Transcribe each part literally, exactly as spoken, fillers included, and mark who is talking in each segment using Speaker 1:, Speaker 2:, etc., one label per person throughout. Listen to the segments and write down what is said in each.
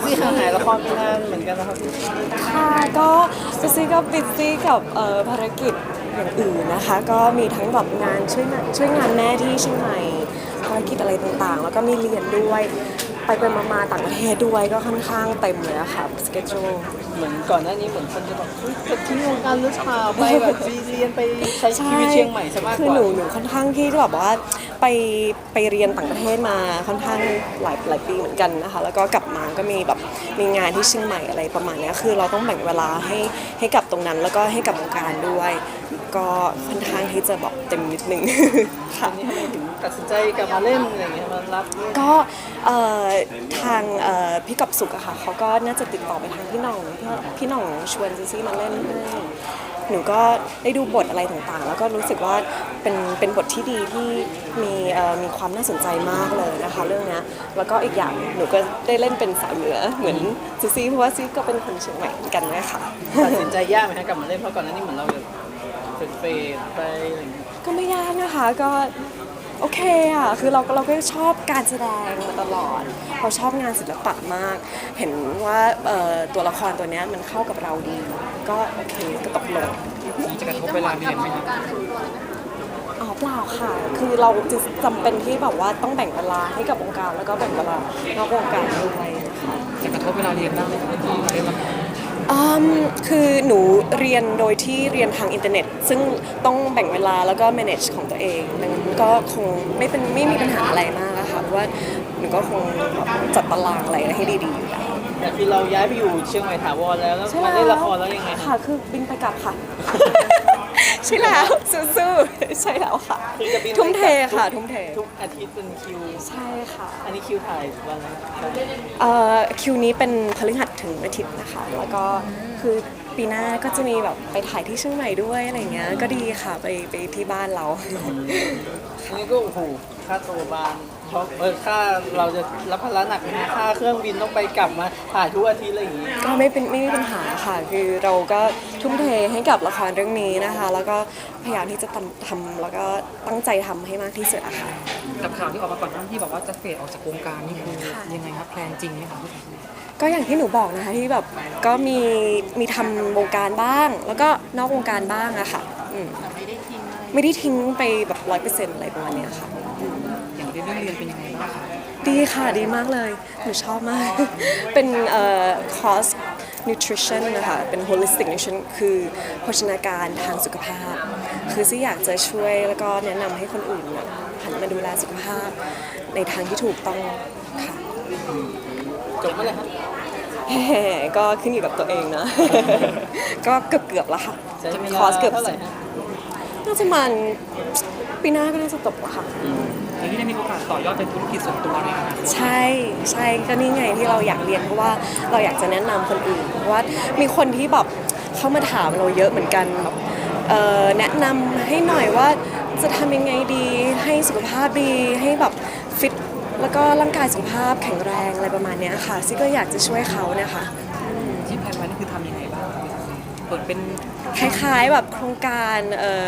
Speaker 1: ซี่ห่างหายละครไปนานเหมือนกันนะครับพี่
Speaker 2: ค่ะก็ซูซี่ก็บิซซี่กับเอ่อภารกิจอย่างอื่นนะคะก็มีทั้งแบบงานช่วยงานช่วยงานแม่ที่เชียงใหม่ภารกิจอะไรต่างๆ แล้วก็มีเรียนด้วยไปไปมาๆต่างประเทศด้วยก็ค่อนข้างเต็มเลยอะค่ะสเกจ u
Speaker 1: เหมือนก่อนหน้านี้เหมือนคนจะบอกเฮ้ยจะทิ้งวงการหรือเปล่าไปแบบไปเรียนไปใช้ชีวิตเชียงใหม่ซะมากกว่า
Speaker 2: คือหนูหนูค่อนข้างที่จะแบบว่าไปไปเรียนต่างประเทศมาค่อนข้างหลายหลายปีเหมือนกันนะคะแล้วก็กลับมาก็มีแบบมีงานที่เชียงใหม่อะไรประมาณนี้คือเราต้องแบ่งเวลาให้ให้กับตรงนั้นแล้วก็ให้กับวงการด้วยก็ค่อนข้างที่จะแบบเต็มนิดนึง
Speaker 1: ตอนนี้ทำไมถึงตัดสินใจกลับมาเล่นอะไรอย่างเงี้ยมารับเล่น
Speaker 2: ก็เอ่อทางเอ่อพี่กอบสุขอะค่ะเขาก็น่าจะติดต่อไปทางพี่หน่องพี่พี่หน่องชวนซีซี่มาเล่นให้หนูก็ได้ดูบทอะไรต่างๆ แล้วก็รู้สึกว่าเป็นเป็นบทที่ดีที่มีเอ่อมีความน่าสนใจมากเลยนะคะเรื่องนี้แล้วก็อีกอย่างหนูก็ได้เล่นเป็นสาวเหนือเหมือนซีซี่เพราะว่าซีก็เป็นคนเชียงใหม่เหมือนกันนะคะ
Speaker 1: ตัดสินใจยากไหมฮะกลับมาเล่นเพราะก่อนหน้านี้เหมือนเราแบบเฟดๆไปอะไรอย่างเงี้ย
Speaker 2: ก็ไม่ยากนะคะก็โอเคอ่ะคือเราเราก็ชอบการแสดงมาตลอดเราชอบงานศิลปะมากเห็นว่าเอ่อตัวละครตัวนี้มันเข้ากับเราดีก็โอเคก็ตกลง
Speaker 1: จะกระทบเวลาเรียนไหมครับ
Speaker 2: อ๋อเปล่าค่ะคือเราจะจำเป็นที่แบบว่าต้องแบ่งเวลาให้กับวงการแล้วก็แบ่งเวลานอกวงการด้วยนะคะ
Speaker 1: จะกระทบเวลาเรียนบ้างไหมครับที่มาเล่นละคร
Speaker 2: อืมคือหนูเรียนโดยที่เรียนทางอินเทอร์เน็ตซึ่งต้องแบ่งเวลาแล้วก็ manage ของตัวเองดังนั้นก็คงไม่เป็นไม่มีปัญหาอะไรมากอะค่ะเพราะว่าหนูก็คงจัดตารางอะไรให้ดีๆอยู่แล้ว
Speaker 1: แต่คือเราย้ายไปอยู่เชียงใหม่ถาวรแล้วแล้วมาเล่นละครแล้วยังไง
Speaker 2: ค่ะคือบินไปกลับค่ะ ใช่แล้วสู้ๆใช่แล้วค่ะ
Speaker 1: คือจะบิน
Speaker 2: ทุ่มเทค่ะทุ่มเท
Speaker 1: ทุกอาทิตย์เป็นคิว
Speaker 2: ใช่ค่ะ
Speaker 1: อันนี้คิวถ่ายวันละ
Speaker 2: เอ่อคิวนี้เป็นพฤหัสถึงอาทิตย์นะคะแล้วก็คือปีหน้าก็จะมีแบบไปถ่ายที่เชียงใหม่ด้วยอะไรเงี้ยก็ดีค่ะไปไปที่บ้านเรา
Speaker 1: อันนี้ก็โอ้โหค่าตัวบานเพราะเออค่าเราจะรับภาระหนักนะค่าเครื่องบินต้องไปกลับมาถ่ายทุกอาทิตย์อะไรอย่างงี้
Speaker 2: ก็ไม่เป็นไม่มีปัญหาค่ะคือเราก็ทุ่มเทให้กับละครเรื่องนี้นะคะแล้วก็พยายามที่จะทำทำแล้วก็ตั้งใจทำให้มากที่สุดอะค่ะ
Speaker 1: กับข่าวที่ออกมาก่อนหน้าที่บอกว่าจะเฟดออกจากวงการนี่คือยังไงครับแพลนจริงไหมคะ
Speaker 2: ก็อย่างที่หนูบอกนะคะที่แบบก็มีมีทำวงการบ้างแล้วก็นอกวงการบ้างอะค่ะไม่ได้ทิ้งไม่ได้ทิ้งไปแบบร้อยเปอร์เซ็นต์อะไรประมาณนี้ค่ะ
Speaker 1: อย่างเรื่องเรียนเป็นยังไงบ้างคะ
Speaker 2: ดีค่ะดีมากเลยหนูชอบมาก เป็นเอ่อคอร์ส nutrition นะคะเป็น holistic nutrition คือโภชนาการทางสุขภาพ คือซี่อยากจะช่วยแล้วก็แนะนำให้คนอื่นเนี่ยหันมาดูแลสุขภาพในทางที่ถูกต้องค่ะ
Speaker 1: จบเมื่อไหร่ครับ
Speaker 2: ก็ขึ้นอยู่กับตัวเองนะ ก็เกือบเกือบแล้วค่ะคอร์สเกือบน่าจะมันปีหน้าก็น่าจะจบแล้วค่ะ
Speaker 1: อย่างที่ได้มีโอกาสต่อยอดเป็นธุรกิจส่วนตัวในอนาคต
Speaker 2: ใช่ใช่ก็นี่ไงที่เราอยากเรียนเพราะว่าเราอยากจะแนะนำคนอื่นเพราะว่ามีคนที่แบบเข้ามาถามเราเยอะเหมือนกันแบบแนะนำให้หน่อยว่าจะทำยังไงดีให้สุขภาพดีให้แบบฟิตแล้วก็ร่างกายสุขภาพแข็งแรงอะไรประมาณนี้ค่ะซี่ก็อยากจะช่วยเขานะคะ
Speaker 1: ที่แพลนไว้นี่คือทำยังไงบ้างเปิดเป็น
Speaker 2: คล้ายๆแบบโครงการ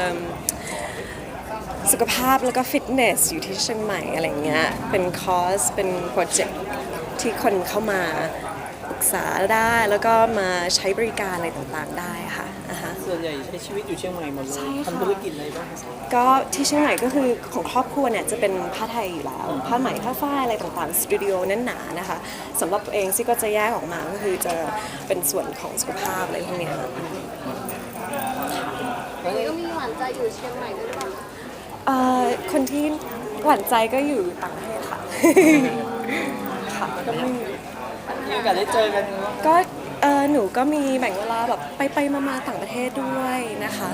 Speaker 2: สุขภาพแล้วก็ฟิตเนสอยู่ที่เชียงใหม่อะไรเงี้ยเป็นคอร์สเป็นโปรเจกต์ที่คนเข้ามาปรึกษาได้แล้วก็มาใช้บริการอะไรต่างๆได้ค่ะ
Speaker 1: ส่วนใหญ่ใช้ชีวิตอยู่เชียงใหม่หมดเลยทำธุรกิจอะไรบ้าง
Speaker 2: ก็ที่เชียงใหม่ก็คือของครอบครัวเนี่ยจะเป็นผ้าไทยอยู่แล้วผ้าไหมผ้าฝ้ายอะไรต่างๆสตูดิโอแน่นหนานะคะสำหรับตัวเองซี่ก็จะแยกออกมาก็คือจะเป็นส่วนของสุขภาพอะไรพวกนี้ค่ะ
Speaker 3: ก็มีหวานใจอยู่เชียงใหม่ด้วยหรือเปล่า
Speaker 2: เอ่อคนที่หวานใจก็อยู่ต่างประเทศค่ะค่ะ
Speaker 1: ก็มีมีโอกาสได้เจอกัน
Speaker 2: ก็เออหนูก็มีแบ่งเวลาแบบไปไปมาๆต่างประเทศด้วยนะคะ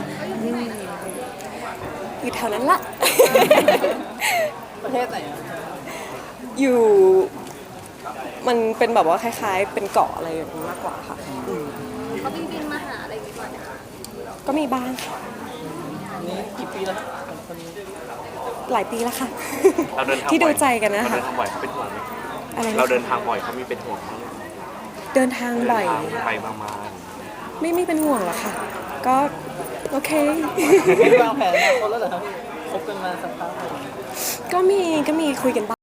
Speaker 2: อยู่แถวนั้นละ
Speaker 1: ประเทศไหนอ่ะ
Speaker 2: อยู่มันเป็นแบบว่าคล้ายๆเป็นเกาะอะไรอย่างนี้มากกว่าค่ะ
Speaker 3: เขาบินบินมาหาอะไรอย่างนี้ก่อนนะคะ
Speaker 2: ก็มีบ้างค่ะ
Speaker 1: นี่กี่ปีแล้ว
Speaker 2: หลายปีแล้วค่ะ
Speaker 4: เราเดินทาง
Speaker 2: ที่ดูใจกันนะคะ
Speaker 4: เราเดินทางบ่อยเขาเป็นห่วงไหม
Speaker 2: อะไรนะ
Speaker 4: เราเดินทางบ่อยเขามีเป็นห่วงไหม
Speaker 2: เดินทางบ่อย
Speaker 4: ไปมามา
Speaker 2: ไม่ไม่เป็นห่วงหรอกค่ะก็โอเค
Speaker 1: วางแผนอนาคตแล้วเหรอครับคบกันมาสักพัก
Speaker 2: ก็มีก็มีคุยกันบ้าง